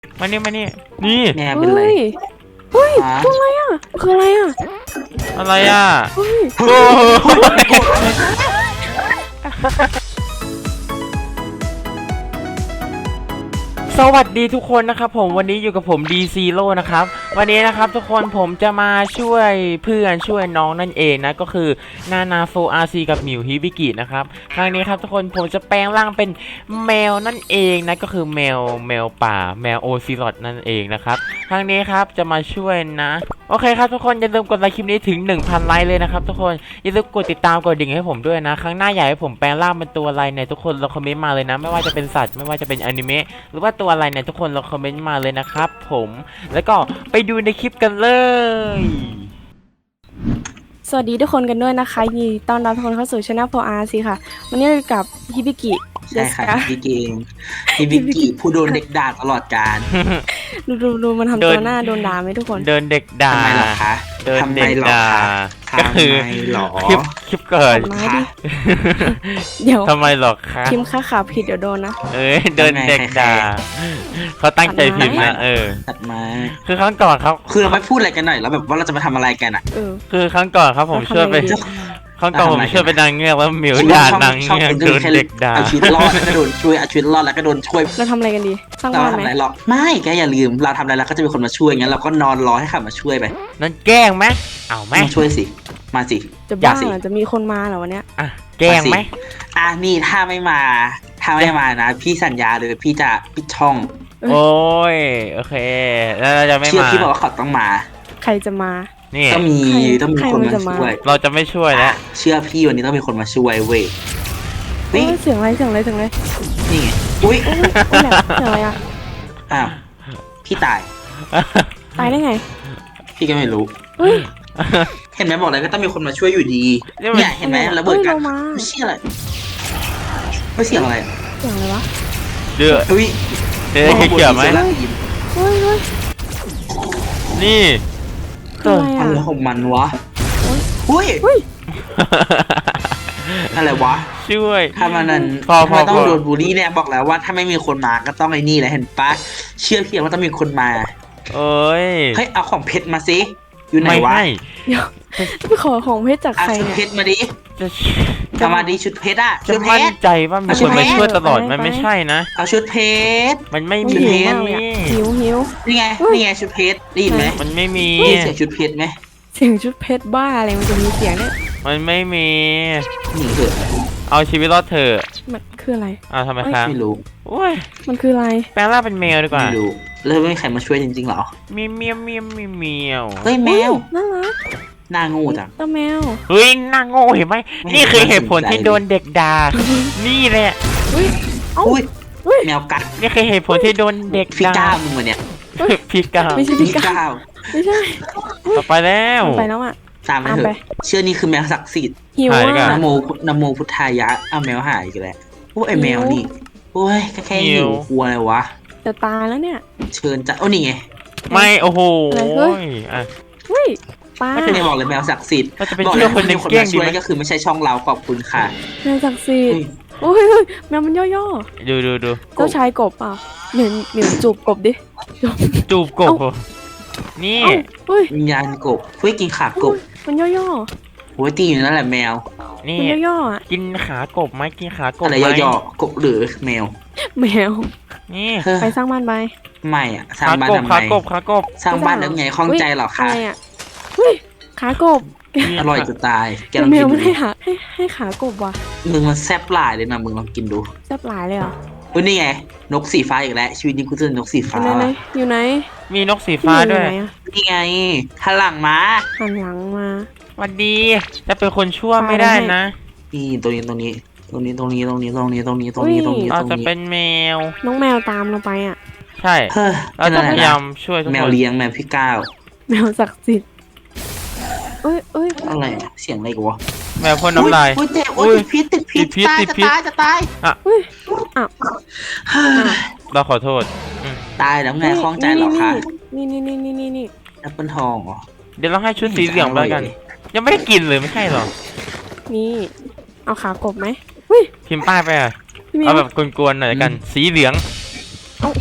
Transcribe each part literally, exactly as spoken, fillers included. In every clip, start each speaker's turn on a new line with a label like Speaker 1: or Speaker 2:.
Speaker 1: มานี่มานี่นี่
Speaker 2: แม่เป็นไร
Speaker 3: เฮ้ยตัวอะไรอ่ะคืออะไรอ่ะ
Speaker 1: อะไรอ่ะ
Speaker 3: เฮ้ย
Speaker 1: โอ้สวัสดีทุกคนนะครับผมวันนี้อยู่กับผม D Zero นะครับวันนี้นะครับทุกคนผมจะมาช่วยเพื่อนช่วยน้องนั่นเองนะก็คือนานาโฟอาร์ซีกับหมิวฮิบิกินะครับครั้งนี้ครับทุกคนผมจะแปลงร่างเป็นแมวนั่นเองนะก็คือแมวแมวป่าแมวโอซิลอดนั่นเองนะครับครั้งนี้ครับจะมาช่วยนะโอเคครับทุกคนอย่าลืมกดไลค์คลิปนี้ถึง หนึ่งพัน ไลค์เลยนะครับทุกคนอย่าลืมกดติดตามกดดิ่งให้ผมด้วยนะครั้งหน้าอยากให้ผมแปลงร่างเป็นตัวอะไรในทุกคนเราคอมเมนต์มาเลยนะไม่ว่าจะเป็นสัตว์ไม่ว่าจะเป็นอนิเมะหรือว่าตัวอะไรเนี่ยทุกคนเราคอมเมนต์มาเลยนะครับผมแล้วก็ไปดูในคลิปกันเลย
Speaker 3: สวัสดีทุกคนกันด้วยนะคะยินดีต้อนรับทุกคนเข้าสู่ช่อง โฟอาร์ ซี ค่ะวันนี้อยู่กับฮิบิกิ
Speaker 2: ใช่ค่ะฮิบิกิเองฮิบิกิผู้โดนเด็กด่าตลอดกาล
Speaker 3: ดูดูดูมันทำตัวหน้าโดนด่าไหมทุกคน
Speaker 1: เดินเด็กด่า
Speaker 2: ทำไมหรอคะ
Speaker 1: เดิน
Speaker 2: ทำไม
Speaker 1: เด็ก
Speaker 2: หรอ
Speaker 1: ด่า
Speaker 2: คะ
Speaker 1: ก็คือ
Speaker 2: ทำไมหรอ
Speaker 1: คลิปคลิปเกิด
Speaker 3: ตัดไม้ดิ เดี๋ยว
Speaker 1: ทำไมหรอคะ
Speaker 3: พิมพ์ค่าขาผิดเดี๋ยวโดนนะ
Speaker 1: เอ้ยเดินเด็กด่าเขาตั้งใจพิมพ์นะเออ
Speaker 2: ตัดมา
Speaker 1: คือครั้งก่อนครับ
Speaker 2: คือเราไม่พูดอะไรกันหน่อยแล้วแบบว่าเราจะมาทำอะไรกันอ่ะ
Speaker 3: เออ
Speaker 1: คือครั้งก่อนครับผมช่วยไป
Speaker 3: แล้วทำไงดี
Speaker 1: ครั้งก่อนผมช่วยเป็นนางเงือกแล้วหมิว
Speaker 2: ช่วย
Speaker 1: ด่า
Speaker 2: ช่อง
Speaker 1: นาง
Speaker 2: ช่อง
Speaker 1: เงือก
Speaker 2: เป็น
Speaker 1: โดนเด็กด่า
Speaker 2: เอาชีวิตรอดแล้วก็โดนช่วยเอาชีวิตรอดแล้วก็โดนช่วย
Speaker 3: เราทำอะไรกันดีสร้าง
Speaker 2: เรา
Speaker 3: บ้าน
Speaker 2: ทำ
Speaker 3: ไหม
Speaker 2: อะไรหรอกไม่แกอย่าลืมเราทำอะไรแล้วก็จะมีคนมาช่วยงั้นเราก็นอนรอให้เขามาช่วยไป
Speaker 1: นั่นแกล้งไหมเอาไหม
Speaker 2: มาช่วยสิมาสิ
Speaker 3: จะบ้า
Speaker 2: สิ
Speaker 3: เหรอจะมีคนมาเหรอวันเนี้ย
Speaker 1: อ่ะแกล้งไหม
Speaker 2: อ่ะนี่ถ้าไม่มาถ้าไม่มานะ พี่สัญญาเลยพี่จะปิดช่อง
Speaker 1: โอ้ยโอเคแล้วเราจะไม่
Speaker 2: เชื่อ
Speaker 1: มา
Speaker 2: พี่บอกว่าเขาต้องมา
Speaker 3: ใครจะมา
Speaker 1: นี่
Speaker 2: ต้องมี
Speaker 3: ใคร
Speaker 2: ต้องมี
Speaker 3: ใคร
Speaker 2: คน
Speaker 3: มัน
Speaker 2: มา
Speaker 3: จะมา
Speaker 2: ช่วย
Speaker 1: เราจะไม่ช่วยแล้ว
Speaker 2: เชื่อพี่วันนี้ต้องมีคนมาช่วยเว้ย
Speaker 3: เอ้
Speaker 2: นี่
Speaker 3: ยเสียงอะไรเสียงอะไรเสียงอะไร
Speaker 2: นี่ไงอุ้ย
Speaker 3: โอ้ยโอ้ยแหละเสียงอะไรอ่ะ
Speaker 2: อ้าวพี่ตาย
Speaker 3: ตายได้ไง
Speaker 2: พี่ก็ไม่รู้
Speaker 3: เฮ้ย
Speaker 2: เห็นไหมบอกเลยก็ต้องมีคนมาช่วยอยู่ดี
Speaker 1: นี่มัน
Speaker 2: เนี่ยเห็นไหมระเบิดกัน
Speaker 3: เฮ้ยเรามา
Speaker 2: ไม่เชื่ออะไรไม่เสียงอะไร
Speaker 3: เสียงอะไรวะ
Speaker 1: เดือด
Speaker 2: อุ้ย
Speaker 1: เดือดเขียวไหม
Speaker 2: โอ้โหดี
Speaker 3: เฮ้ยเฮ้ย
Speaker 1: นี่
Speaker 3: คืออะไร
Speaker 2: อะไร
Speaker 3: อ่ะ
Speaker 2: ของมันวะอุ้ย
Speaker 3: เฮ้ย
Speaker 2: อะไรวะ
Speaker 1: ช่วย
Speaker 2: ถ้ามันนั้น
Speaker 1: พอพอ
Speaker 2: ถ้ามันต้อง
Speaker 1: พอ
Speaker 2: โดนบูลลี่เนี่ยบอกแล้วว่าถ้าไม่มีคนมาก็ต้องไอ้นี่แหละเห็นปะเชื่อพี่ว่าต้องมีคนมา
Speaker 1: โอ้ย
Speaker 2: เฮ้ยเอาของเพชรมาสิอยู่ไหน
Speaker 1: ไม่
Speaker 2: วะ
Speaker 1: ให้
Speaker 3: เดี๋ยวไปขอของเพชรจาก
Speaker 2: เอา
Speaker 3: ใคร
Speaker 2: ชุด
Speaker 3: เนี่ย
Speaker 2: เพชรมาดิ
Speaker 1: จะ
Speaker 2: เอามาดิชุดเพชรอะ
Speaker 1: จะ
Speaker 2: ชุดเพ
Speaker 1: มั่น
Speaker 2: ชร
Speaker 1: ใจว่ามีคนมาช่วยตลอดมันไม่ใช่นะ
Speaker 2: เอาชุดเพชร
Speaker 1: มันไม่
Speaker 3: ไม่
Speaker 1: มี
Speaker 3: หิวมากเลยอะหิวหิว
Speaker 2: นี่ไง
Speaker 3: เฮ้ย
Speaker 2: นี่ไงชุดเพชรได้ยินไหม
Speaker 1: มันไม่มี
Speaker 2: ได้ยินเสียงชุดเพชรไหม
Speaker 3: เสียงชุดเพชรบ้าอะไรมันจะมีเสียงเนี่ย
Speaker 1: มันไม่มี
Speaker 2: หนีเถอะ
Speaker 1: เอาชีวิตรอดเถอะ
Speaker 3: มันคืออะไร
Speaker 1: อ้าวทำไมค้าง
Speaker 2: ไม่รู้
Speaker 1: โอ้ย
Speaker 3: มันคืออะไร
Speaker 1: แปลงร่างเป็นแมวดีกว่า
Speaker 2: ไม่รู้แล้วไม่มีใครมาช่วยจริงๆเหรอ
Speaker 1: มีเมียวเมียวเมียวเมียว
Speaker 2: เฮ้ยแมว
Speaker 3: น่ารัก
Speaker 2: หน้างูจัง
Speaker 3: ตาแมว
Speaker 1: เฮ้ยน่าโง่เห็นไหม
Speaker 2: ไม่
Speaker 1: นี่คือเหตุผล
Speaker 2: ไม่สนใจ
Speaker 1: ที่โดนเด็กด่านี่แหละ
Speaker 3: อุ้ยเอ้า
Speaker 2: อุ้ย
Speaker 3: อุ้ย
Speaker 2: แมวกัด
Speaker 1: นี่คือเหตุผลที่โดนเด็ก
Speaker 2: พี่
Speaker 1: ด่า
Speaker 2: ก้าวมึงวะเนี่ย
Speaker 1: พี่ก้าว
Speaker 3: ไม่ใช่
Speaker 2: พี่
Speaker 3: พี่ก้า
Speaker 2: ก้าว
Speaker 3: ไม่ใช่
Speaker 1: ต่อไปแล้ว
Speaker 3: มันไปแล้วอ่ะ
Speaker 2: ตามไป
Speaker 3: ตาม
Speaker 2: เถ
Speaker 3: ไป
Speaker 2: อะเชื่อนี่คือแมวศักดิ์สิทธิ์
Speaker 3: หิว
Speaker 1: หายดีกว่า
Speaker 3: อ่ะ
Speaker 2: นะโมนะโมพุทธายะเอาแมวหายอีกแล้วโอ้ยไอแมวนี่โอ้ยแค่หิวกลัวอะไรวะ
Speaker 3: จะตายแล้วเนี่ย
Speaker 2: เชิญจ้ะโอ้นี่ไง
Speaker 1: ไม่โอ้โห
Speaker 3: อะไรเฮ้ย
Speaker 1: อ่ะ
Speaker 3: เฮ้ยป้า
Speaker 2: ไม่ใช่บอกเลยแมวศักดิ์สิทธิ์
Speaker 1: เราจะไป
Speaker 2: บอก
Speaker 1: เชื่
Speaker 2: เล
Speaker 1: อย คนใน
Speaker 2: มีคน
Speaker 1: เก้ง
Speaker 2: มา
Speaker 1: ดี
Speaker 2: ช่ว
Speaker 1: ไหม
Speaker 2: ยก็คือไม่ใช่ช่องเราขอบคุณค่ะ
Speaker 3: แมวศักดิ์สิท
Speaker 2: อุ้ย
Speaker 3: ธิ์โอ้ยเฮ้ยแมวมันย่อ
Speaker 1: ดูดูดู
Speaker 3: ๆเจ้าชายกบเปล่าเหมือนเหมือนจูบกบดิ
Speaker 1: จูบกบเหรอนี่
Speaker 3: เอ้าเฮ้ย
Speaker 2: วิญญาณกบเฮ้ยกินขากบ
Speaker 3: มันย่อ
Speaker 2: โอ้ยตีอยู่นั่นแหละแมว
Speaker 3: ๆ
Speaker 1: นี่
Speaker 3: มันย่อๆอ่ะ
Speaker 1: กินขากบไหมกินขากบ
Speaker 2: อะไร
Speaker 1: ไหม
Speaker 2: ย่อๆกบหรือแมว
Speaker 3: แมว
Speaker 1: นี่
Speaker 2: เฮ้ย
Speaker 3: ไปสร้างบ้านไป
Speaker 2: ไม่อะสร้าง
Speaker 1: ขา
Speaker 2: บ้าน
Speaker 1: กบ
Speaker 2: ทำไม
Speaker 1: ขากบขากบ
Speaker 2: สร้างบ้านแล้วไงข้องใจเหรอคะ
Speaker 3: อะไรอ่ะเฮ้ยขากบ
Speaker 1: นี่
Speaker 2: อร่อยจะตายแกล
Speaker 3: แต่
Speaker 2: อง
Speaker 3: แม
Speaker 2: กิ
Speaker 3: วน มัน
Speaker 2: ดู
Speaker 3: ให้หาให้ให้ขากบว่ะ
Speaker 2: มึงมันแซ่บหลายเลยนะมึงลองกินดู
Speaker 3: แซ่บหลายเลยเหรอ
Speaker 2: เฮ้ยนี่ไงนกสีฟ้าอีกแล้วชีวิตนี้กูเจอนกสี
Speaker 3: อ
Speaker 2: ฟ้า
Speaker 3: ยู่ไหน
Speaker 2: ว่ะ
Speaker 3: อยู่ไหน
Speaker 1: มีนกสีฟ้าด้วย
Speaker 3: อยู่ไหนอะ
Speaker 2: นี่ไงหันหลังมา
Speaker 3: หันหลังมา
Speaker 1: สวัสดีจะเป็นคนชั่วไม่ได้นะ
Speaker 2: นี่ตรงนี้ตรงนี้ตรงนี้ตรงนี้ตรงนี้ตรงนี้ตรงนี้ตรงนี้ตรงนี้
Speaker 1: เรา
Speaker 2: ตรง
Speaker 1: จะ
Speaker 2: นี้
Speaker 1: เป็นแมว
Speaker 3: น้องแมวตามเราไปอ่ะ
Speaker 1: ใช่
Speaker 2: เฮ้ย
Speaker 1: เรา
Speaker 2: เป็น
Speaker 1: จะ
Speaker 2: อะไร
Speaker 1: พยายา
Speaker 2: นะ
Speaker 1: มช่วยทุก
Speaker 2: แม
Speaker 1: ค
Speaker 2: วน เลี้ยงแมวพี่ก้าว
Speaker 3: แมวศักดิ์สิทธิ์เอ้ยเอ้ย
Speaker 2: อะไรอะเสียงอะไรกูวะ
Speaker 1: แมวพ่นน้ำลาย
Speaker 2: อุ้ยเจ็บโอ้ยติดพิษติดพิษ
Speaker 1: ติดพิษ
Speaker 2: ตาย
Speaker 1: ติด
Speaker 2: จะ
Speaker 1: พิษ
Speaker 2: ตายจะตาย
Speaker 3: เฮ้ยอ้าว
Speaker 2: เฮ้ย
Speaker 1: เราขอโทษอืม
Speaker 2: ตายแล้วไงคล้องใจเหรอคะ
Speaker 3: นี่นี่นี่นี่นี่นี่
Speaker 2: แอปเปิลทองเหรอ
Speaker 1: เดี๋ยวเราให้ชุดสีเหลืองไปแล้วกัน ยังไม่ได้กินเลยไม่ใช่หรอ
Speaker 3: นี่เอาขากบไหมเฮ้ย
Speaker 1: พิมพ์ป้ายไปอ่ะ
Speaker 3: พี่มิว
Speaker 1: เอาแบบกวนๆหน่อยละกัน สีเหลือง
Speaker 3: เอา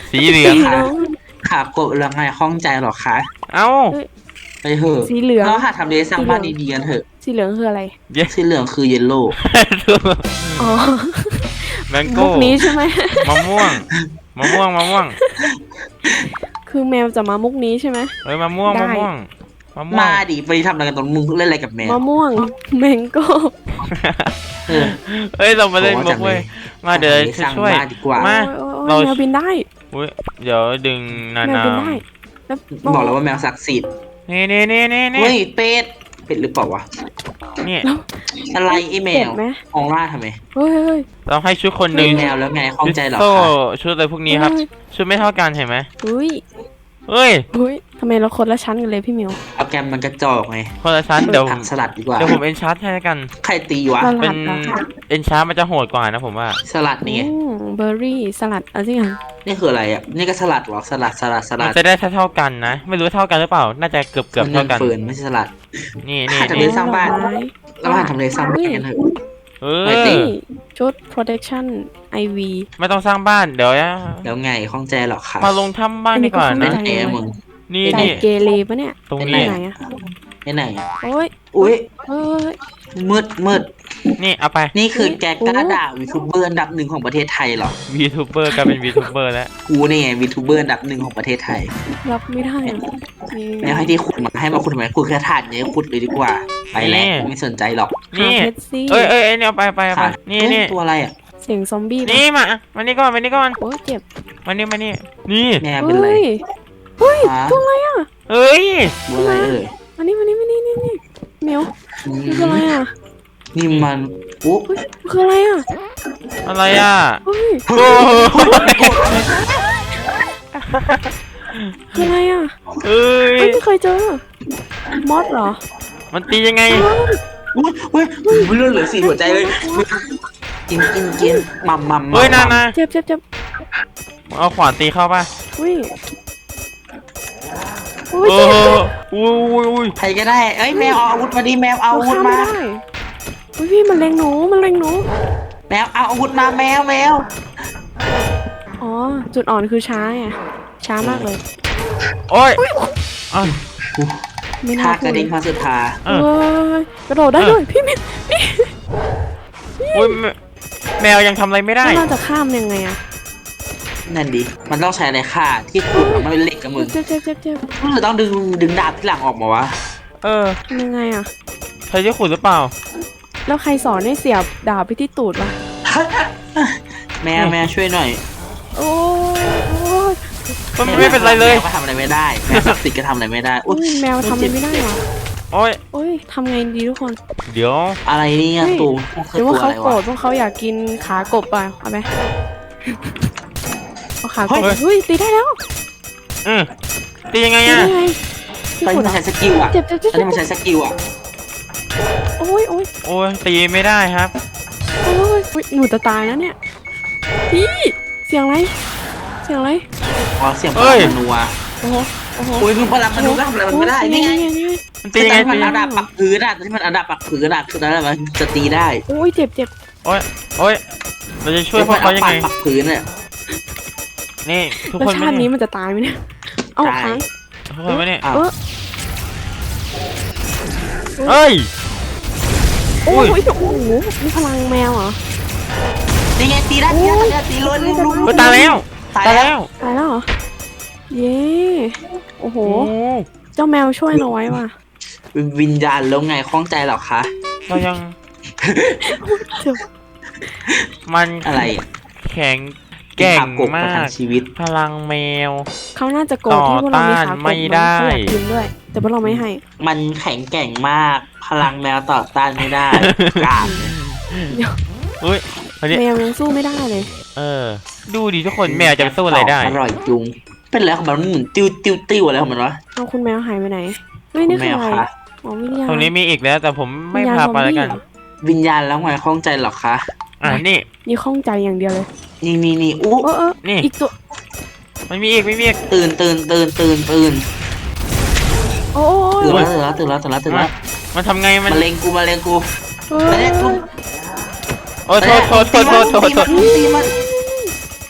Speaker 1: สีเหลือง
Speaker 2: ค่ะขากบแล้วไงข้องใจหรอคะ
Speaker 1: เอ้า
Speaker 2: ไปเถอะ
Speaker 3: สีเหลือง
Speaker 2: เราหาทำเลสร้างบ้านดีๆกันเถอะ
Speaker 3: สีเหลืองคืออะไร
Speaker 2: สีเหลืองคือเยลโล่
Speaker 3: อ๋อ
Speaker 1: แมง
Speaker 3: มุ
Speaker 1: โก้
Speaker 3: กนี้ใช่ไหม
Speaker 1: มะม่วงมะม่วงมะม่วง
Speaker 3: คือแมวจะมามุกนี้ใช่ไหม
Speaker 1: เอ้ยมะม่วง
Speaker 3: ได้
Speaker 1: มะม่วงมะม่วง
Speaker 2: มาดิไปทำอะไรกันตรงมึงเล่นอะไรกับแมว
Speaker 3: มะม่วงแมงโก้
Speaker 2: เออ
Speaker 1: เอ้ยเรามาเล่นมุกเว้ยมาเดี๋ยว
Speaker 2: สร้าง
Speaker 1: ช่วย
Speaker 2: บ้านดีกว่า
Speaker 1: มา
Speaker 3: โอ้ยโอ้ย
Speaker 1: เรา
Speaker 3: แมวบินได้
Speaker 1: อุ้ยเดี๋ยวดึงนา
Speaker 3: แมว
Speaker 1: นา
Speaker 3: บินได้แล้ว
Speaker 2: บอกแล้วว่าแมวศักดิ์สิทธิ์
Speaker 1: นี่นี่นี่นี่นี่
Speaker 2: เฮ้ยเป็ดเป็ดหรือเปล่าวะ
Speaker 1: นี่
Speaker 2: อะไรไอ้แม
Speaker 3: เจ็บ
Speaker 2: ว
Speaker 3: ไหม
Speaker 2: มองล่าทำไม
Speaker 3: เฮ้ยเฮ้ย
Speaker 1: เราให้ชุดคนหนึ่ง
Speaker 2: แมวแล้วไงข้องใจหรอ
Speaker 1: โซ่
Speaker 2: คะ
Speaker 1: ชุดอะไรพวกนี้ครับ ชุดไม่เท่ากันเห็นไหม
Speaker 3: เฮ้ย
Speaker 1: เฮ้ย
Speaker 3: เฮ้ยทำไมเราคนละชั้นกันเลยพี่มิว
Speaker 2: เอาแกมมันกระจอกไง
Speaker 1: คนละชั้นเดี๋ยว
Speaker 2: ผักสลัดดีกว่า
Speaker 1: เดี๋ยวผมเอนชาร์จให้แล้วกัน
Speaker 2: ใครตีวะ
Speaker 3: ส
Speaker 1: เป็
Speaker 3: ลั
Speaker 1: น
Speaker 3: ดเหรอคะ
Speaker 1: เอนชาร์จมันจะโหดกว่านะผมว่า
Speaker 2: สลัดนี่ไง
Speaker 3: เบอร์รี่สลัดอะไรสักอย่าง
Speaker 2: นี่คืออะไรอ่ะนี่ก็สลัดเหรอสลัดสลัดส
Speaker 1: มั
Speaker 2: ลั
Speaker 1: น
Speaker 2: ด
Speaker 1: จะได้เท่าๆกันนะ ไม่รู้เท่ากันหรือเปล่า น่าจะเกือบเกือบ
Speaker 2: มัน
Speaker 1: เท่ากัน
Speaker 2: เฟิร์นไม่ใช่สลัด
Speaker 1: นี่นี่
Speaker 2: หาทำเล
Speaker 1: นี่
Speaker 2: สร้างบ้าน
Speaker 3: ดอกไม้
Speaker 2: เรามาทำเลสร้างบ้านกันเถอะ
Speaker 1: เอ
Speaker 2: ไม่ติ
Speaker 1: อ
Speaker 3: นี่ชุด protection ไอ วี
Speaker 1: ไม่ต้องสร้างบ้านเดี๋ยวนะ
Speaker 2: แล้วไงข้องใจหรอคะ
Speaker 1: มาลงถ้ำบ้านดีกว่า
Speaker 3: อันนี้
Speaker 1: นะ
Speaker 3: ก็
Speaker 2: เอ๋มึง
Speaker 1: นี่
Speaker 3: ใจ
Speaker 1: นี่
Speaker 3: เกเรปะเนี่ย
Speaker 1: ตรง
Speaker 3: ไป
Speaker 1: นี้
Speaker 3: ไหนอะ
Speaker 2: ไปไหนอะ
Speaker 3: โอ้ย
Speaker 2: อุ้ย
Speaker 3: เฮ้ย
Speaker 2: มืดมืด
Speaker 1: นี่เอาไป
Speaker 2: นี่คือแกกล้า
Speaker 3: โอ้
Speaker 2: ด่าวีทูเบอร์อันดับหนึ่งของประเทศไทยเหรอ
Speaker 1: วีทูเบอร์กลายเป็นวีทูเบอร์แล้ว
Speaker 2: กูเนี่ยไงวีทูเบอร์อันดับหนึ่งของประเทศไทย
Speaker 3: รับไม่ได้อะนี่
Speaker 2: แล้วให้ที่ขุดมาให้มาขุดทำไมขุดแค่ถาดเนี่ยขุดเลยดีกว่า ไปแล้วไม่สนใจหรอก
Speaker 3: หา
Speaker 1: นี่
Speaker 3: เพชรซี่
Speaker 1: เอ้ยเอ้ยเอ้ยเนี่ยเอาไปไปเอาไป
Speaker 2: ค่ะ
Speaker 1: นี่
Speaker 2: เอ้ย
Speaker 1: นี่
Speaker 2: ตัวอะไรอ่ะ
Speaker 3: เสียงซอมบี้ปะ
Speaker 1: นี่มามานี่ก่อนมานี่ก่อน
Speaker 3: โอ้ยเจ็บ
Speaker 1: มานี่มานี่นี่
Speaker 2: แม่เป็นไร
Speaker 3: เฮ้ยเฮ้ย
Speaker 2: ฮะ
Speaker 3: ตัวอะไรอ่ะ
Speaker 1: เอ้ย
Speaker 2: ตัวอะไรเอ่ย
Speaker 3: อันนี้มานี่มานี่นี่นี่เหมียว
Speaker 2: อืม
Speaker 3: มันคืออะไรอ่ะ
Speaker 2: นี่มันอุ๊บ
Speaker 3: เฮ้ยมันคืออะไรอ่ะ
Speaker 1: อะไรอ่ะ
Speaker 3: เฮ้ย
Speaker 1: โอ้โห
Speaker 3: คืออะไรอ่ะ
Speaker 1: เอ้ย
Speaker 3: เฮ้ยไม่เคยเจอมอสเหรอ
Speaker 1: มันตียังไง
Speaker 2: อุ๊ยเฮ้ยมันเลือดเหลือสี่หัวใจเลยกินกินกินมัมมัม
Speaker 1: เฮ้ยนานา
Speaker 3: เจ็บเจ็บเจ็บ
Speaker 1: เอาขวานตีเข้าป่ะ
Speaker 3: อุ้ยอุ้ย
Speaker 1: โอ้
Speaker 3: เจ็บ
Speaker 1: โห
Speaker 3: เจ็บ
Speaker 1: อุ้ยอุ้ยอุ้ย
Speaker 2: ใครก็ได้เอ้ยแมวเอาอาวุธมาดิแมวเอา
Speaker 3: เรา
Speaker 2: อาวุธ
Speaker 3: ข้ามไม่
Speaker 2: มา
Speaker 3: ได้อุ้ยพี่มันเล็งหนูมันเล็งหนู
Speaker 2: แมวเอาอาวุธมาแมวแมว
Speaker 3: อ๋อจุดอ่อนคือช้าไงช้ามากเลย
Speaker 1: โอ้ยอ่ะ
Speaker 3: ไม่น่า
Speaker 2: ท่า
Speaker 3: พู
Speaker 2: กระ
Speaker 3: ดเล
Speaker 2: ดิ่
Speaker 3: ย
Speaker 2: งพาสุดทา
Speaker 1: เอ
Speaker 3: เฮ้
Speaker 1: อย
Speaker 3: กระโดดได้ด้วยพี่มิน
Speaker 1: อุ้ยแมแมวยังทำอะไรไม่ได้
Speaker 3: แล้วเราจะข้ามยังไงอะ
Speaker 2: นั่นดิมันต้องใช้อะไรฆ่าที่ขุดมันเป็นเหล็กกับมึง
Speaker 3: เจ็บเจ็บเจ็บเจ็บ
Speaker 2: รู้สึกต้องดึงดึงดาบที่หลังออกมาวะ
Speaker 1: เออ
Speaker 3: ทำยังไงอะ
Speaker 1: ใช้ที่ขุดหรือเปล่า
Speaker 3: แล้วใครสอนให้เสียบดาบไปที่ตูดวะ
Speaker 2: แม่แม่ช่วยหน่อย
Speaker 3: โอ้ย
Speaker 1: มันไม่เป็นไรเลย
Speaker 2: แมวก็ทำอะไรไม่ได้แมวศักดิ์สิทธิ์ก็ทำอะไรไม่ได้
Speaker 3: โอ้
Speaker 2: อุ๊ย
Speaker 3: ยแมวทำอะไรไม่ได้หรอ
Speaker 1: โอ้ย
Speaker 3: โอ้ยทำไงดีทุกคน
Speaker 1: เดี๋ยว
Speaker 2: อะไรเนี่ย
Speaker 3: เฮ้ย
Speaker 2: ตู
Speaker 3: หรือว่าเขา
Speaker 2: ตัว
Speaker 3: โกร
Speaker 2: อะไร
Speaker 3: ธ
Speaker 2: วะ
Speaker 3: เพราะเขาอยากกินขากบอ่ะเอาไหมเอาขากบ
Speaker 1: เฮ้ย
Speaker 3: เฮ้ยตีได้แล้ว
Speaker 1: อืมตียังไง
Speaker 3: ตี
Speaker 1: อ่ะ
Speaker 3: ได้ไง
Speaker 2: ตอน
Speaker 3: ที่
Speaker 2: นี้
Speaker 3: ขุด
Speaker 2: มัน
Speaker 3: อะ
Speaker 2: ใช้สกิลอ่ะ
Speaker 3: เจ็บเจ็บเจ็บ
Speaker 2: ตอนนี้มันใช้สกิลอ่ะ
Speaker 3: โอ้ยโอ้ย
Speaker 1: โอ้ยตีไม่ได้ครับ
Speaker 3: โอ้ยอุ๊ยหนูจะตายแล้วเนี่ยพี่เสียงอะไรเสียงอะไร
Speaker 2: อ๋อเสียงพ
Speaker 1: เฮ้
Speaker 2: ลัง
Speaker 1: ย
Speaker 2: มนัว
Speaker 3: โอ้โหโอ้โห
Speaker 2: โอ้ยมึงพลังมนัวก็ทำอะไรมันไม่ได้นี่ไง
Speaker 3: นี่ไง
Speaker 1: มันตียังไง
Speaker 2: ตอนที่
Speaker 1: ตี
Speaker 2: มันอันดับปักพื้นอ่ะตอนที่มันอันดับปักพื้นอ่ะคือตอนนั้นมันจะตีได้
Speaker 3: โอ้ยเจ็บเจ็บ
Speaker 1: โอ้ยโอ้ยเราจะช่วยพวกเขายังไง
Speaker 2: ปักพื้นเนี่ย
Speaker 1: นี่ทุก
Speaker 3: แล้ว
Speaker 1: คน
Speaker 3: ชา
Speaker 1: ไม่
Speaker 3: ตินี้
Speaker 1: เนี่ย
Speaker 3: มันจะตายไหมเนี่ยเอา
Speaker 2: ตาย
Speaker 3: ค้าง
Speaker 1: ทุกคนไม่เนี่ย
Speaker 2: อ้าว
Speaker 3: เออ
Speaker 1: เอ้ย
Speaker 3: โอ้
Speaker 1: อุ้
Speaker 3: ย
Speaker 1: ย
Speaker 3: โอ้โหนี่พลังแมวเหรอ
Speaker 2: นี่ไงตีได้ตีได้ตีได้ตีล้นลุมลุม
Speaker 1: เฮ้ยตายแล้ว
Speaker 2: ตาย
Speaker 1: ตาย
Speaker 2: แล้
Speaker 1: แล้ว ว
Speaker 3: ตายแล้วเหรอ เย้ โอ้โห
Speaker 1: โอ้
Speaker 3: เจ้าแมวช่วยเราไว้ว่ะ
Speaker 2: วิญญาณแล้วไงคล้องใจหรอคะ
Speaker 1: เรายัง
Speaker 3: เจ็บ
Speaker 1: มัน
Speaker 2: อะไรอ่ะ
Speaker 1: แข็งแกร่ง
Speaker 2: ขับกบ
Speaker 1: มา
Speaker 2: ประทั
Speaker 1: ก
Speaker 2: งชีวิต
Speaker 1: พลังแมว
Speaker 3: เขาน่าจะโกรธที่พวกเรามีขากบ
Speaker 1: ต่อต้านไม่ได้
Speaker 3: เขาอยากกินด้วย แต่พวกเราไม่ให้
Speaker 2: มันแข็งแกร่งมาก พลังแมวต่อต้านไม่ได้กราบ
Speaker 1: เฮ้ยอันนี้
Speaker 3: แมวยังสู้ไม่ได้เลย
Speaker 1: เออ ดูดิทุกคนแมวจะไปสู้อะไรได้
Speaker 2: อร่อยจุง เป็นอะไรของมันมันหมุนติ้วติ้วติ้วอะไรของมันวะ
Speaker 3: เอาคุณแมวหายไปไหน เฮ้ย นี่
Speaker 2: แม
Speaker 3: คือ
Speaker 2: ว
Speaker 3: อะไร
Speaker 2: คะ
Speaker 3: อ๋อวิญญาณ
Speaker 1: ตรงนี้มีอีกแล้ว แต่ผมไม่
Speaker 3: วิญญณ
Speaker 1: พาไปแล้วกัน
Speaker 3: ซอมบี้เหรอ
Speaker 2: วิญญาณแล้วไงคล้องใจหรอคะ
Speaker 1: อ่ะนี่
Speaker 3: นี่ข้องใจอย่างเดียวเลย
Speaker 2: นี่นี่นี่อู้
Speaker 3: เออเออ
Speaker 1: นี่
Speaker 3: อีกตัว
Speaker 1: มันมีอีกไม่มีอีก
Speaker 2: ตื่นตื่นตื่นตื่นตื่น
Speaker 3: โอ้
Speaker 2: ตื่น
Speaker 3: ย
Speaker 2: แล้วตื่นแล้วตื่นแล้วตื่นแล้วตื่นแล้ว
Speaker 1: มันทำไงมัน
Speaker 2: มาเลงกูมาเลงกู
Speaker 3: เฮ้
Speaker 2: มาย เลงกู
Speaker 1: โอ้โทษโทษโทษโทษโทษโทษ
Speaker 2: ตีมันตีมัน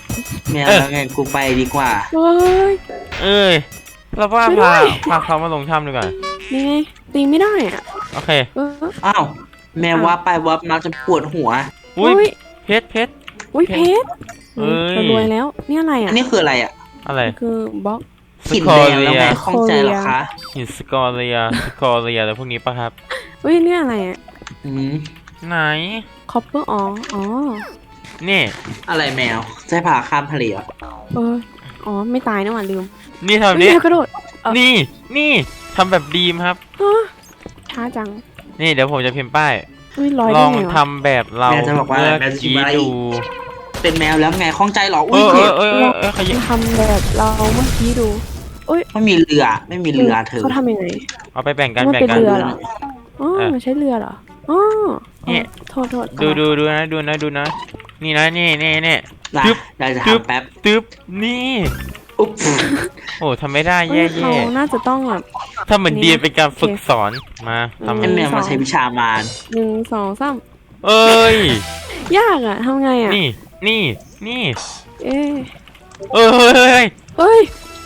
Speaker 2: แมวแล้วไงกูไปดีกว่า
Speaker 3: เฮ้ย
Speaker 1: เอ้ยเราว่า
Speaker 3: ช่วยด้
Speaker 1: พา
Speaker 3: วย
Speaker 1: พาเขามาลงถ้ำดีกว่า
Speaker 3: นี่ไงตีไม่ได้อ่ะ
Speaker 1: โอเค
Speaker 3: เออ
Speaker 2: อ้าวแมวว่าไปว่ามาจนปวดหัว
Speaker 1: อุ้ย
Speaker 3: อุ้ย
Speaker 1: เพชรเพชร
Speaker 3: อุ้ยเพชร
Speaker 1: เอ้ย
Speaker 3: เรารวยแล้วนี่อะไร
Speaker 2: อั
Speaker 3: อ่ะ
Speaker 2: นนี้คืออะไรอ่ะ
Speaker 1: อะไร
Speaker 3: คือบล็อก
Speaker 1: ส
Speaker 2: หิน
Speaker 1: กอ
Speaker 2: แดง
Speaker 1: เรี
Speaker 2: แล้ว
Speaker 1: ย
Speaker 2: ไงข้องใจเหรอคะ
Speaker 1: หินสกอเรียสกอเรียอะไรพวกนี้ปะครับ
Speaker 3: อุ้ยนี่อะไรอ่ะ
Speaker 2: อืม
Speaker 1: ไหน
Speaker 3: คอปเปอร์อ๋ออ๋อ
Speaker 1: นี่
Speaker 2: อะไรแมวใช่ผ่าข้ามทะเลเหรอ
Speaker 3: เอออ๋อไม่ตายนะหว่าลืม
Speaker 1: นี่ทำแบบ
Speaker 3: เฮ้ย
Speaker 1: นี้
Speaker 3: แมวกระโดด เอ้า
Speaker 1: นี่นี่ทำแบบดีมครับ
Speaker 3: ฮะช้าจัง
Speaker 1: นี่เดี๋ยวผมจะพิมพ์ป้าย
Speaker 3: อุ้ยลอย
Speaker 1: ล
Speaker 3: ได้
Speaker 1: อง
Speaker 3: ไงวะ
Speaker 1: ทำแบบเรา
Speaker 2: แมวจะบอกว่า
Speaker 1: เมื่อ
Speaker 2: แมวจะ
Speaker 1: กี้
Speaker 2: ชิบะไร
Speaker 1: ดู
Speaker 2: เป็นแมวแล้วไงข้องใจเหรอ
Speaker 1: เอ
Speaker 2: อุ้ย
Speaker 1: อเอ
Speaker 2: เจ็
Speaker 1: อบ เออเออเออขยิบ
Speaker 3: ทำแบบเราเมื่อกี้ดู
Speaker 2: ไม่มีเรือไม่มีเรือเธอ
Speaker 3: เขาทำยังไง
Speaker 1: เอาไปแบ่งกัน
Speaker 3: มัน
Speaker 1: แบ่ง
Speaker 3: เป็น
Speaker 1: กัน
Speaker 3: เรือเหรอ อ๋อ
Speaker 1: เออ
Speaker 3: มันใช้เรือเหรออ๋อ
Speaker 1: เนี่ย
Speaker 3: โทษโทษ
Speaker 1: ดูดูดูนะดูนะดูนะ นี่นะนี่นี่นี่
Speaker 2: นะ
Speaker 1: จึ๊บ
Speaker 2: เราจะ
Speaker 1: จึ๊บ
Speaker 2: ทำแป๊บ
Speaker 1: ตึ๊บนี่
Speaker 2: อุ๊บ
Speaker 1: โอ้ทำไม่ได้
Speaker 3: เอ้
Speaker 1: แย่
Speaker 3: ยเขา
Speaker 1: แย่
Speaker 3: น่าจะต้องแบบ
Speaker 1: ถ้าเหมือน
Speaker 3: นี่
Speaker 1: ดี
Speaker 3: นะ
Speaker 1: เป็นการฝึก
Speaker 3: โอเค
Speaker 1: สอนมาทำ
Speaker 2: ไอแมวมาใช้วิชามาร
Speaker 3: หนึ่งสองสาม
Speaker 1: เอ้ย
Speaker 3: ยากอ่ะทำไงอ่ะ
Speaker 1: นี่นี่นี่
Speaker 3: เอ๊ะ
Speaker 1: เอ้ยเฮ้ยเฮ้ย
Speaker 3: เฮ้ย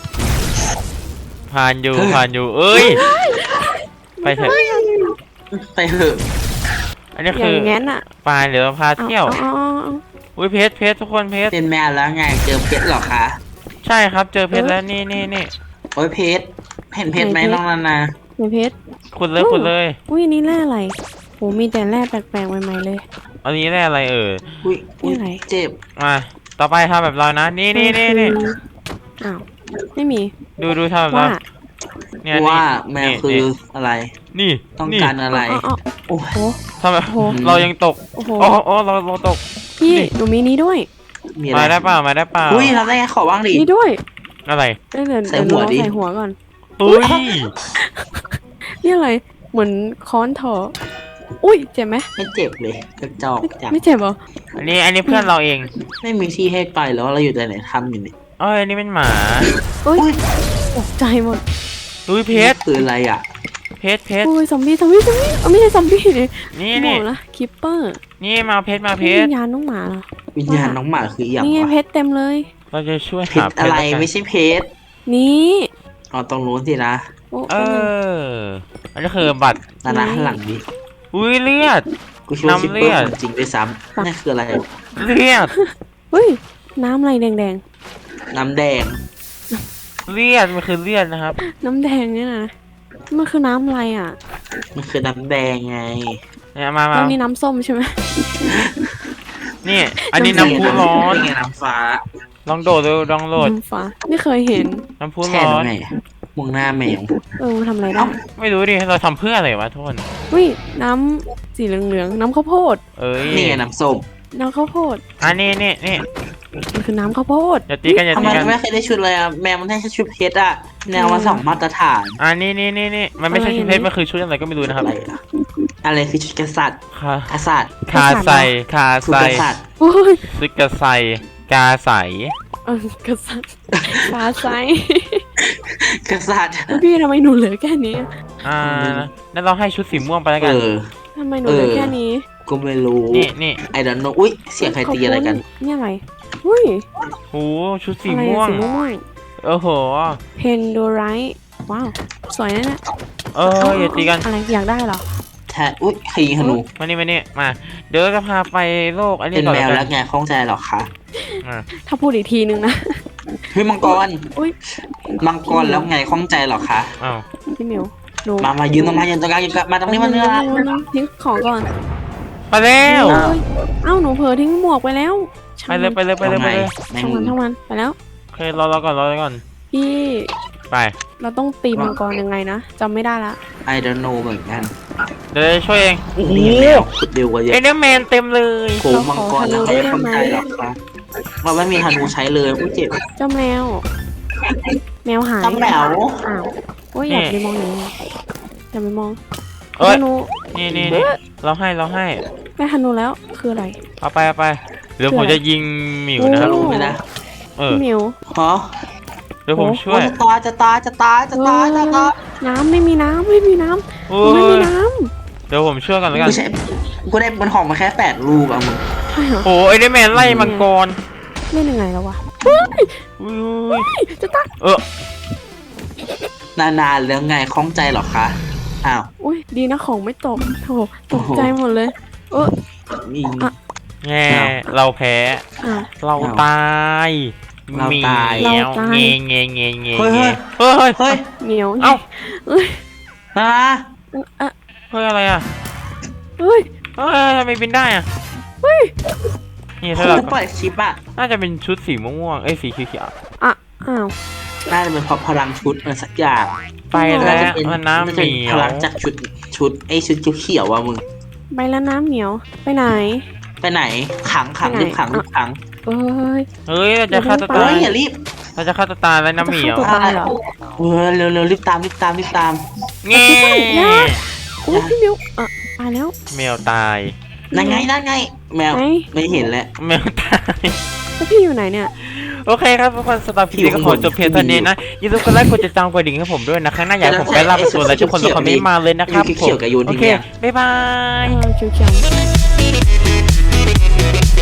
Speaker 1: ผ่านอยู่ผ่านอยู่เอ้ยไปเถอะ
Speaker 2: ไปเถอะ
Speaker 1: อันนี้
Speaker 3: อ
Speaker 1: คื
Speaker 3: ย่า
Speaker 1: อง
Speaker 3: งั้นอ่ะ
Speaker 1: ปลาเดี๋ยวเราพา
Speaker 3: เอา
Speaker 1: เที่ยว
Speaker 3: เอาเอาเอา
Speaker 1: อุ้ยเพชรเพชรทุกคนเพชร
Speaker 2: เป็นแมวแล้วไงเจอเพชรเหรอคะ
Speaker 1: ใช่ครับเจอเพชรแล้วนี่นี่นี่
Speaker 2: โอ้ยเพชรเห็นเพชรไหมน้องนานา
Speaker 3: ไหนเพชร
Speaker 1: ขุดเลยขุดเลย
Speaker 3: อุ้ยอันนี่แร่อะไรโหมีแต่แร่แปลกๆใหม่ๆเลย
Speaker 1: อันนี้แร่อะไรเอ่ย
Speaker 2: อุ้ยอุ้ย
Speaker 3: นี่อะไร
Speaker 2: เจ็บ
Speaker 1: มาต่อไปทำแบบเรานะนี่นี่นี่นี่
Speaker 3: มัคืออ้าวไม่มี
Speaker 1: ดูดูทำแบบเรา
Speaker 3: ว่า
Speaker 1: เนี่ย
Speaker 2: ว่า
Speaker 1: นี่
Speaker 2: แมวคืออะไร
Speaker 1: นี่
Speaker 2: ต้อง
Speaker 1: นี่
Speaker 2: การอะไร
Speaker 3: อ๋ออ๋อ
Speaker 2: โอ้
Speaker 3: โอ้
Speaker 2: ย
Speaker 3: โห
Speaker 1: ทำแบบ
Speaker 3: โอ้โห
Speaker 1: เรายังตก
Speaker 3: โอ้โห
Speaker 1: อ๋ออ๋อเราเราตก
Speaker 3: พี่
Speaker 1: นี่
Speaker 3: หนูมีนี้ด้วย
Speaker 2: มีอะไร
Speaker 1: มาได้เปล่ามาได้เปล่า
Speaker 2: อุ้ยทำได้ไงขอบ้างดิ
Speaker 3: นี่ด้วย
Speaker 1: อะไร
Speaker 3: เอ้ยเดี๋ยว
Speaker 2: ใส่
Speaker 3: เดี๋ยว
Speaker 2: หัว
Speaker 3: เรา
Speaker 2: ดิ
Speaker 3: ใส่หัวก่อน
Speaker 1: เฮ้ย
Speaker 3: นี่อะไรเหมือนค้อนถออุ้ยเจ็บไหม
Speaker 2: ไม่เจ็บเลยกระจอกจัง
Speaker 3: ไม่เจ็บเหรอ
Speaker 1: อันนี้อันนี้เพื่อนเราเอง
Speaker 2: ไม่มีที่ให้ไปแล้วเราอยู่แต่ไหนทำอยู่นี่
Speaker 1: เอ้ยอันนี้เป็นหมา
Speaker 3: เอ้ย
Speaker 2: อุ้ย
Speaker 3: ตกใจหมด
Speaker 1: อุ้ยเพชร
Speaker 2: คืออะไรอ่ะ
Speaker 1: เพชรเพชร
Speaker 3: โอ้ยซอมบี้ซอมบี้ซอมบี้เอาไม่ใช่ซอมบี้เลย
Speaker 1: นี่
Speaker 3: บ
Speaker 1: นี่
Speaker 3: อกนะคิปเปอร์
Speaker 1: นี่มาเพชรมาเพ
Speaker 3: วิ
Speaker 1: ชร
Speaker 3: ญญาณน้องหมาเหรอ
Speaker 2: วิญญาณน้องหมาคืออย่าง
Speaker 3: นี่ไง
Speaker 2: วะ
Speaker 3: เพชรเต็มเลย
Speaker 1: เราจะช่วย
Speaker 2: เพ
Speaker 1: หา
Speaker 2: ชร
Speaker 1: เพ
Speaker 2: อะ
Speaker 1: ชร
Speaker 2: ไร
Speaker 1: แล้วกัน
Speaker 2: ไม่ใช่เพชร
Speaker 3: นี่
Speaker 2: อ๋อตรงนู้นสินะ
Speaker 3: โอ้
Speaker 1: เอ
Speaker 3: แป๊บนึง
Speaker 1: ออันนี้คือบัตร
Speaker 2: นานาหันหลังดิ
Speaker 1: อุ้ยเลือด
Speaker 2: กูช่วยคิป
Speaker 1: น้ำเลื
Speaker 2: เปอ
Speaker 1: อด
Speaker 2: ร์จริงด้วยซ้ำนั่นคืออะไร
Speaker 1: เลือด
Speaker 3: เฮ้ยน้ำอะไรแดง
Speaker 2: น้ำแดง
Speaker 1: เลือดมันคือเลือดนะครับ
Speaker 3: ๆ น้ำแดงเนี่ยนะมันคือน้ำอะไรอ่ะ
Speaker 2: มันคือน้ำแดงไง
Speaker 1: เนี่ยมามา
Speaker 3: แล้วนี่น้ำส้มใช่ไหม
Speaker 1: นี่ อันนี้น้ำพุร้อน
Speaker 2: นี่ไงน้ำฟ้า
Speaker 1: ลองโดดดูลองโหลด
Speaker 3: น้ำฟ้าไม่เคยเห็น
Speaker 1: น้ำพุ
Speaker 2: แค่
Speaker 1: ร้อ
Speaker 2: นั้น นไงมองหน้าแมว
Speaker 3: เออมันทำอะไรได้
Speaker 2: เอ้า
Speaker 1: ไม่รู้ดิเราทำเพื่ออะไรวะทุกคน
Speaker 3: อุ้ยน้ำสีเหลืองๆน้ำข้าวโพด
Speaker 1: เอ้ย
Speaker 2: นี่ไงน้ำส้ม
Speaker 3: น้ำข้าวโพด
Speaker 1: อันนี้นี่นี่
Speaker 3: มันคือน้ำข้าวโพด
Speaker 1: อย่าตีกันอย่า
Speaker 2: ทำ
Speaker 1: ตี
Speaker 2: ไม
Speaker 1: กัน
Speaker 2: ไม่เคยได้ชุดเลยอ่ะแมวมันได้แค่ชุดเพชรอ่ะแนวมาสองมาตรฐาน
Speaker 1: อันนี้นี่นี่นี่มันไม่ใช่ชุดเพชรมันคือชุดอะไรก็ไม่รู้นะครับ
Speaker 2: อะไรอะอะไรคือชุดกษัตริย์
Speaker 1: คาก
Speaker 2: ษัตริย์
Speaker 1: คาใส่คา
Speaker 2: ชุด
Speaker 1: ใส่
Speaker 2: กษัตริย์
Speaker 3: โอ้ย
Speaker 1: ซึกกะใส่กาใส
Speaker 3: เออกษัตริย์ฟ้าไซ
Speaker 2: กษัตริย์
Speaker 3: พี่ทำไมหนูเหลือแค่นี้
Speaker 1: อ่านั่นเราให้ชุดสีม่วงไปแล้ว
Speaker 2: เอ
Speaker 1: กัน
Speaker 2: อ
Speaker 3: ทำไมหนูเหลือ
Speaker 2: เออ
Speaker 3: แค่นี้
Speaker 2: ก็ไม่รู้
Speaker 1: นี่นี่
Speaker 2: ไอ้ดันโนอุ้ยเสียงใครตีอะไรกัน
Speaker 3: นี่อะไรอุ้ย
Speaker 1: โอ้ชุดสี
Speaker 3: อะไร
Speaker 1: ม่ว
Speaker 3: อะ
Speaker 1: ง
Speaker 3: สีม่วง
Speaker 1: โอ้โห
Speaker 3: เพนโดไรว้าวสวยนะเนี่ย
Speaker 1: เอออย่าตีกัน
Speaker 3: อะไรอยากได้เหรอ
Speaker 2: แท้อุ้ยใครยิงธนู
Speaker 1: มานี่มานี่มา เดี๋ยวเราจะพาไปโลกอันนี้
Speaker 2: เป็น
Speaker 1: ก่อน
Speaker 2: แมว
Speaker 1: กั
Speaker 2: แล้วไงข้องใจเหรอคะ
Speaker 1: อ่า
Speaker 3: ถ้าพูดอีกทีนึงนะ
Speaker 2: เฮ้ยมังกร
Speaker 3: อุ้ย
Speaker 2: มังกรแล้วไงข้องใจเหรอคะ
Speaker 1: อ้าว
Speaker 3: พี่หมิวหนู
Speaker 2: มามายืนตรงมายืนตรงกลางยืนกลางมาตรงนี้มาเนื้อ
Speaker 3: ทิ้งของก่อน
Speaker 1: ไปแล้ว
Speaker 3: เอ้ยเอ้าหนูเผลอทิ้งหมวกไปแล้ว
Speaker 1: ไปเลยไปเลยไปเลยไปเลย
Speaker 2: แม่ง
Speaker 3: ช่างมันช่างมันไปแล้ว
Speaker 1: โอเครอรอก่อนรอก่อน
Speaker 3: พี่
Speaker 1: ไป
Speaker 3: เราต้องตีมังกรยังไงนะจำไม่ได้ละ
Speaker 2: ไอเดนโนเหมือนกัน
Speaker 1: เดี๋ยวจะช่วยเองโอ้โห
Speaker 2: นี่แมวขุดเร็วกว่าเย
Speaker 1: เอ
Speaker 2: อะ
Speaker 1: เนอร์แมนเต็มเลย
Speaker 2: โหมังกรแล้วใครข้องใจเหรอคะเราไม่มีธนูใช้เลยอุ้ยเจ็บ
Speaker 3: เจ้าแมว แมวหาย
Speaker 2: ตำแหนว
Speaker 3: อ้าวโอ้ยอย่าไปมองอย่างนี้อย่าไปมอง
Speaker 1: เอ้ย
Speaker 3: ธนู
Speaker 1: นี่นี่นี่เราให้เราให้
Speaker 3: ได้ธนูแล้วคืออะไร
Speaker 1: เอาไปเอาไปเดี๋ยวผมจะยิงหมิวนะครับ
Speaker 2: รู้ไหมนะ
Speaker 1: เออ
Speaker 3: พี่หมิว
Speaker 2: ฮะ
Speaker 1: เดี๋ยวผมช่วย
Speaker 2: จะตายจะตายจะตายจะตายจะตาย
Speaker 3: น้ำไม่มีน้ำไม่มีน้
Speaker 1: โอ้
Speaker 3: ำไม่มี
Speaker 1: ย
Speaker 3: น้
Speaker 1: เดี๋ยวผมช่วยกันแล้วกัน
Speaker 2: กูใช้กูได้บนของมาแค่แปดลูกอะมึง
Speaker 3: ำใช่เหรอ
Speaker 1: โอ้เอเนอร์แมนไล่มังกร
Speaker 3: เล่นยังไงแล้ววะ
Speaker 1: อุ้ย
Speaker 3: จะตาย
Speaker 1: เออน
Speaker 2: านๆแล้วไงคล้องใจเหรอคะอ้าว
Speaker 3: อุ้ยดีนะของไม่ตกโถตกใจหมดเลยเออ
Speaker 2: นี่
Speaker 3: อ่ะ
Speaker 1: แง่เราแพ้
Speaker 3: อ่ะ
Speaker 1: เราตาย
Speaker 2: เราตาย
Speaker 1: เหมียว
Speaker 3: เราตาย
Speaker 1: เงี้ยเงี้ยเงี้ยเงี้ย
Speaker 2: เฮ้ย
Speaker 1: เงี้ยเฮ้ย
Speaker 2: เฮ้ย
Speaker 3: เหนียว
Speaker 1: เอ้า
Speaker 3: เอ้ย
Speaker 2: ฮะ
Speaker 3: อ่ะ
Speaker 1: เฮ้ยอะไรอ่ะ
Speaker 3: เฮ้ย
Speaker 1: เฮ้ยทำไมบินได้อ่ะ
Speaker 3: เฮ้ย
Speaker 1: นี่
Speaker 2: คุ
Speaker 1: ถ้าเรา
Speaker 2: ณปล่อยชิปอะ
Speaker 1: น่าจะเป็นชุดสีม่วงๆเอ้ยสีเขียว
Speaker 3: อ่ะอ้าว
Speaker 2: น่าจะเป็นเพราะพลังชุดอะไรสักอย่าง
Speaker 1: ๆไปแล้
Speaker 2: น่าว จะเป็น
Speaker 1: มันน้ำ
Speaker 2: น่า
Speaker 1: เห
Speaker 2: จะ
Speaker 1: มี
Speaker 2: เป็น
Speaker 1: ย
Speaker 2: พ
Speaker 1: ว
Speaker 2: ลังจากชุดชุดไอ้ชุดเขียวๆว่ะมึง
Speaker 3: ไปแล้วน้ำเหนียวไปไหน
Speaker 2: ไปไหนขังขัง
Speaker 3: ไปไหน
Speaker 2: รีบขังรีบขัง
Speaker 3: เอ้ย
Speaker 1: เฮ้ยเราจะฆ่าตัว
Speaker 2: เฮ้
Speaker 1: ตาย ย
Speaker 2: อย่ารีบ
Speaker 1: เราจะฆ่าตัวตายแล้วน้ำเหมียว
Speaker 3: จะฆ่าตัวตาย เหรอ
Speaker 2: เออเร็วเร็วรีบตามรีบตามรีบตาม
Speaker 1: เงี้
Speaker 3: อย่า อุ้ยพี่มิวอ่ะตายแล้ว
Speaker 1: แมวตาย
Speaker 2: นั่นไงนั่นไง แมว
Speaker 3: ไหน
Speaker 2: ไม่เห็นแล้ว
Speaker 1: แมวตาย
Speaker 3: แล้วพี่อยู่ไหนเนี่ย
Speaker 1: โอเคครับทุกคนสำหรับคลิปนี้ก็ขอจบเพียงเท่านี้นะอย่าลืมกดไลค์กดติดตามกดดิ่งให้ผมด้วยนะครั้งหน้าอยากให้ผมไปล่าเป็นตัวอะไรทุกคนคอมเมนต์มาเลยนะครับ
Speaker 2: ไอ้
Speaker 1: ผม
Speaker 2: เขียวๆกับโยน
Speaker 1: โอ
Speaker 2: ที่
Speaker 1: เค
Speaker 2: เนี่ย
Speaker 1: บ๊ายบาย
Speaker 3: เออเขียวๆ